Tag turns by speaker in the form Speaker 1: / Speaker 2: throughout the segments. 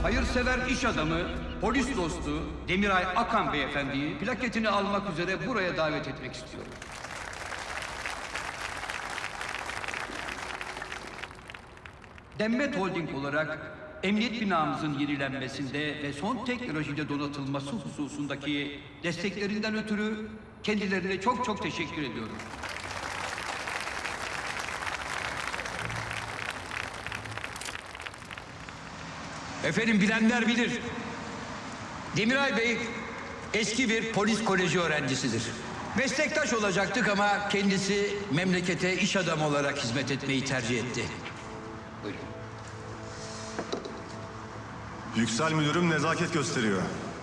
Speaker 1: hayırsever iş adamı, polis dostu Demiray Akan beyefendiyi plaketini almak üzere buraya davet etmek istiyorum. Demmet Holding olarak emniyet binamızın yenilenmesinde ve son teknolojiyle donatılması hususundaki desteklerinden ötürü kendilerine çok çok teşekkür ediyorum. Efendim bilenler bilir. Demiray Bey eski bir polis koleji öğrencisidir. Meslektaş olacaktık ama kendisi memlekete iş adamı olarak hizmet etmeyi tercih etti. Buyurun.
Speaker 2: Yüksel müdürüm nezaket gösteriyor.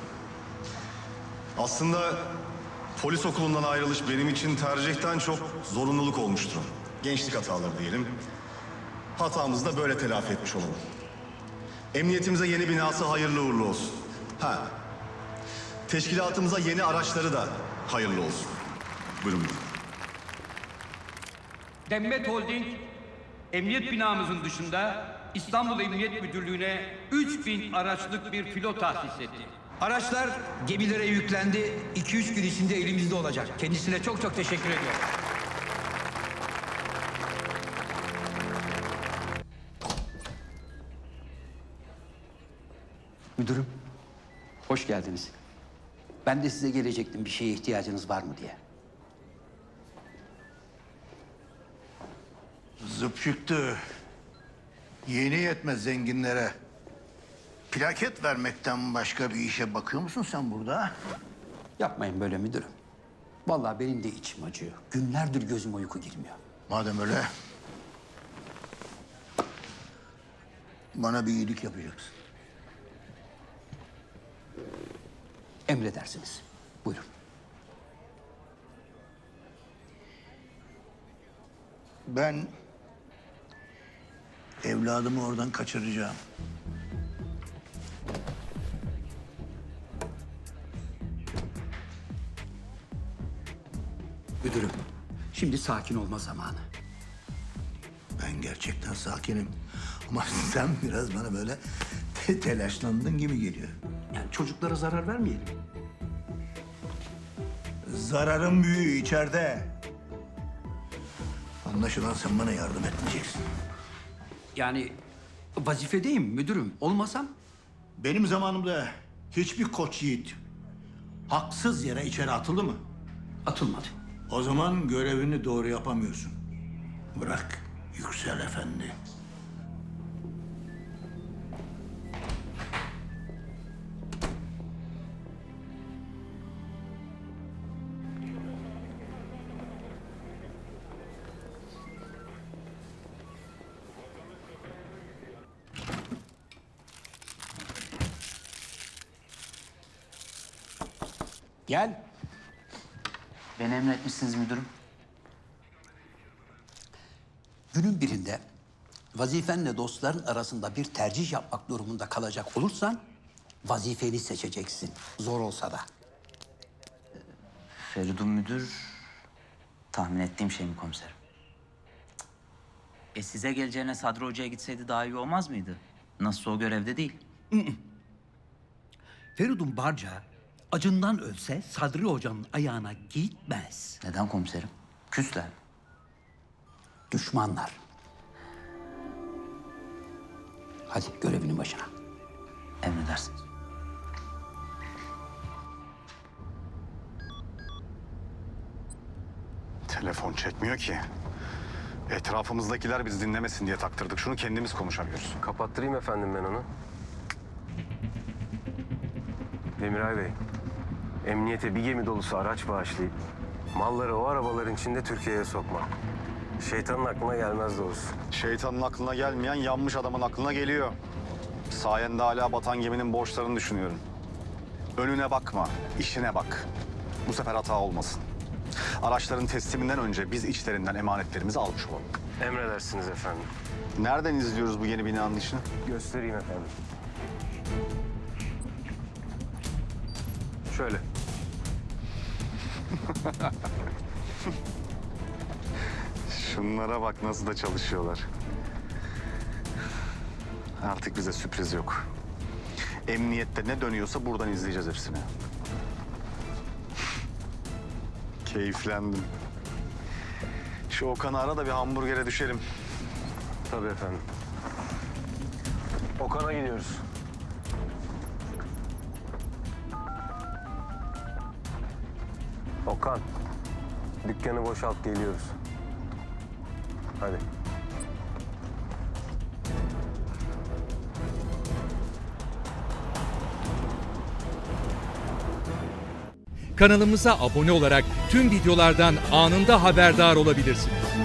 Speaker 2: Aslında polis okulundan ayrılış benim için tercihten çok zorunluluk olmuştu. Gençlik hataları diyelim. Hatamızı da böyle telafi etmiş olalım. Emniyetimize yeni binası hayırlı uğurlu olsun. Teşkilatımıza yeni araçları da hayırlı olsun. Buyurun müdürüm.
Speaker 1: Demmet Holding, emniyet binamızın dışında İstanbul Emniyet Müdürlüğü'ne 3000 araçlık bir filo tahsis etti. Araçlar gemilere yüklendi. 2-3 gün içinde elimizde olacak. Kendisine çok çok teşekkür ediyorum.
Speaker 3: Müdürüm, hoş geldiniz. Ben de size gelecektim bir şeye ihtiyacınız var mı diye.
Speaker 4: Zıp çıktı. Yeni yetmez zenginlere. Plaket vermekten başka bir işe bakıyor musun sen burada?
Speaker 3: Yapmayın böyle müdürüm. Vallahi benim de içim acıyor. Günlerdir gözüm uyku girmiyor.
Speaker 4: Madem öyle... bana bir iyilik yapacaksın.
Speaker 3: Emredersiniz. Buyurun.
Speaker 4: Ben... evladımı oradan kaçıracağım.
Speaker 3: Müdürüm, şimdi sakin olma zamanı.
Speaker 4: Ben gerçekten sakinim. Ama sen biraz bana böyle telaşlandın gibi geliyor.
Speaker 3: Yani çocuklara zarar vermeyelim.
Speaker 4: Zararın büyüğü içeride. Anlaşılan sen bana yardım etmeyeceksin.
Speaker 3: Yani vazifedeyim müdürüm. Olmasam
Speaker 4: Benim zamanımda hiçbir koç yiğit haksız yere içeri atıldı mı?
Speaker 3: atılmadı.
Speaker 4: O zaman görevini doğru yapamıyorsun. Bırak Yüksel Efendi.
Speaker 3: Gel.
Speaker 5: Beni emretmişsiniz müdürüm.
Speaker 3: Günün birinde vazifenle dostların arasında bir tercih yapmak durumunda kalacak olursan vazifeni seçeceksin. Zor olsa da.
Speaker 5: Feridun müdür tahmin ettiğim şey mi komiserim? Size geleceğine Sadri Hoca'ya gitseydi daha iyi olmaz mıydı? Nasılsa o görevde değil.
Speaker 3: Feridun Barca acından ölse Sadri Hoca'nın ayağına gitmez.
Speaker 5: Neden komiserim? Küsler.
Speaker 3: Düşmanlar. Hadi görevinin başına.
Speaker 5: Emredersiniz.
Speaker 2: Telefon çekmiyor ki. Etrafımızdakiler bizi dinlemesin diye taktırdık. Şunu kendimiz konuşamıyoruz.
Speaker 6: Kapattırayım efendim ben onu. Demiray Bey, emniyete bir gemi dolusu araç bağışlayıp malları o arabaların içinde Türkiye'ye sokmak. Şeytanın aklına gelmez doğrusu.
Speaker 2: Şeytanın aklına gelmeyen yanmış adamın aklına geliyor. Sayende hala batan geminin borçlarını düşünüyorum. Önüne bakma, işine bak. Bu sefer hata olmasın. Araçların tesliminden önce biz içlerinden emanetlerimizi almış olalım.
Speaker 6: Emredersiniz efendim.
Speaker 2: Nereden izliyoruz bu yeni binanın işini?
Speaker 6: Göstereyim efendim. Şöyle.
Speaker 2: Şunlara bak nasıl da çalışıyorlar. Artık bize sürpriz yok. Emniyette ne dönüyorsa buradan izleyeceğiz hepsini. Keyiflendim. Şu Okan'ı ara da bir hamburgere düşelim.
Speaker 6: Tabii efendim. Okan'a gidiyoruz. Okan, dükkanı boşalt geliyoruz. Hadi.
Speaker 7: Kanalımıza abone olarak tüm videolardan anında haberdar olabilirsiniz.